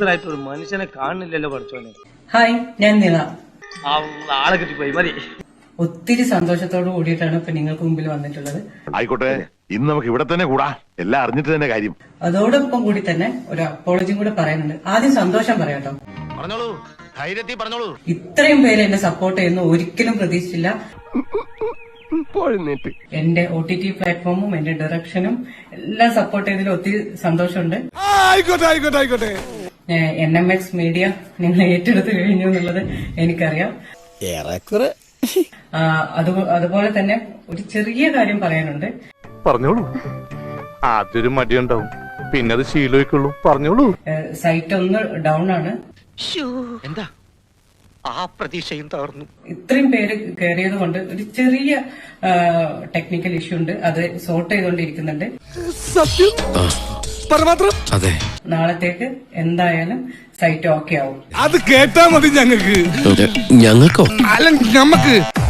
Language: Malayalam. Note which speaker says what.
Speaker 1: ഓഫീസറായിട്ട് ഒരു മനുഷ്യനെ കാണുന്നില്ലല്ലോ പഠിച്ചോനെ.
Speaker 2: ഹായ്, ഞാൻ നിള.
Speaker 1: ആളെ കിട്ടിപ്പോയി മതി.
Speaker 2: ഒത്തിരി സന്തോഷത്തോട് കൂടിയിട്ടാണ് ഇപ്പൊ നിങ്ങൾക്ക് മുമ്പിൽ വന്നിട്ടുള്ളത്.
Speaker 3: ആയിക്കോട്ടെ, ഇന്ന് നമുക്ക് ഇവിടെ തന്നെ കൂടാ, എല്ലാം അറിഞ്ഞിട്ട് തന്നെ കാര്യം.
Speaker 2: അതോടൊപ്പം കൂടി തന്നെ ഒരു അപ്പോളജിയും കൂടെ പറയാനുണ്ട്. ആദ്യം സന്തോഷം പറയാട്ടോ.
Speaker 3: പറഞ്ഞോളൂ, ധൈര്യത്തിൽ പറഞ്ഞോളൂ.
Speaker 2: ഇത്രയും പേര് എന്നെ സപ്പോർട്ട് ചെയ്യുന്ന ഒരിക്കലും പ്രതീക്ഷിച്ചില്ല. എന്റെ OTT പ്ലാറ്റ്ഫോമും എന്റെ ഡയറക്ഷനും എല്ലാം സപ്പോർട്ട് ചെയ്തതിൽ ഒത്തിരി സന്തോഷമുണ്ട്. NMX മീഡിയ നിങ്ങൾ ഏറ്റെടുത്ത് കഴിഞ്ഞു എന്നുള്ളത് എനിക്കറിയാം. അതുപോലെ തന്നെ ഒരു ചെറിയ കാര്യം പറയാനുണ്ട്.
Speaker 4: പറഞ്ഞോളൂ. ആദ്യൊരു മടിയുണ്ടാവും, പിന്നെ അത് ശീലമായിക്കൊള്ളൂ. പറഞ്ഞോളൂ.
Speaker 2: സൈറ്റ് ഒന്ന് ഡൗൺ ആണ്.
Speaker 1: എന്താ ആ പ്രതീക്ഷയും തകർന്നു.
Speaker 2: ഇത്രയും പേര് കയറിയത് കൊണ്ട് ഒരു ചെറിയ ടെക്നിക്കൽ ഇഷ്യൂ ഉണ്ട്. അത് സോർട്ട് ചെയ്തുകൊണ്ടിരിക്കുന്നുണ്ട്. നാളത്തേക്ക് എന്തായാലും സൈറ്റ് ഓക്കെ ആവും.
Speaker 5: അത് കേട്ടാ മതി ഞങ്ങൾക്ക്.
Speaker 6: ഞങ്ങൾക്കോ?
Speaker 5: അല്ല, ഞമ്മക്ക്